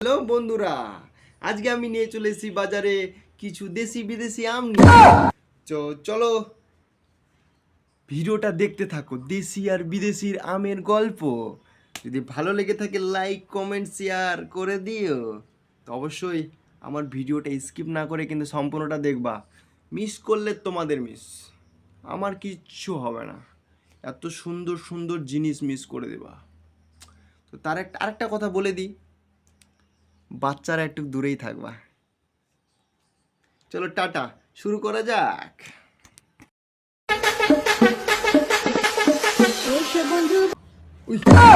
Hello বন্ধুরা, আজকে আমি নিয়ে চলে এসেছি বাজারে কিছু দেশি বিদেশি আম নিয়ে। চলো ভিডিওটা দেখতে থাকো, দেশি আর বিদেশির আমের গল্প। যদি ভালো লেগে থাকে লাইক কমেন্ট শেয়ার করে দিও। তো অবশ্যই আমার ভিডিওটা স্কিপ না করে কিন্তু সম্পূর্ণটা দেখবা। মিস করলে তোমাদের মিস, আমার কিচ্ছু হবে না। এত সুন্দর সুন্দর জিনিস মিস করে দেবা। তো তার আরেকটা কথা বলে দিই, বাচ্চারা একটু দূরেই থাকবা। চলো টাটা, শুরু করা যাক। উই,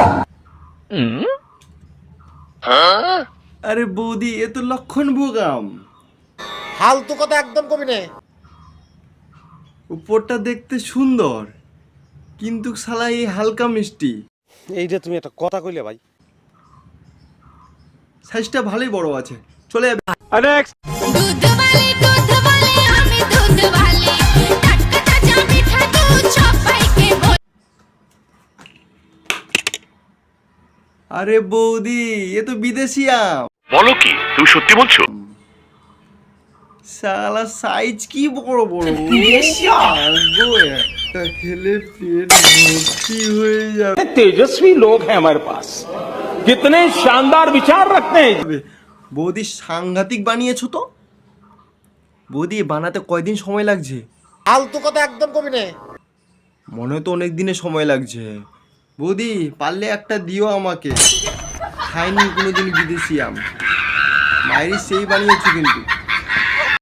আরে বৌদি, এ তো লক্ষণ ভোগাম। ফালতু কথা একদম কবি নে। উপরটা দেখতে সুন্দর, কিন্তু শালা এই হালকা মিষ্টি। এইটা তুমি একটা কথা কইলে ভাই। সাইজটা ভালোই বড় আছে, চলে যাবে। दूध वाले हमें दूध वाले टटका ताजा मीठा दूध छपाई के बोल আরে বৌদি, এ তো বিদেশি আম। বলো কি, তুমি সত্যি বলছো? শালা সাইজ কি বড় বড়, গো একটা খেলে পেট ভর্তি হয়ে যাবে। तेजस्वी लोग हैं हमारे पास, कितने शानदार विचार रखते हैं। বৌদি সাংঘাতিক বানিয়েছো তো। বৌদি বানাতে কয়দিন সময় লাগছে? ফালতু কথা একদম কবি নে। মনে হয় তো অনেক দিনের সময় লাগছে। বৌদি পারলে একটা দিও আমাকে, খাইনি কোনোদিন বিদেশি আম। মায়েরই সেই বানিয়েছো কিন্তু।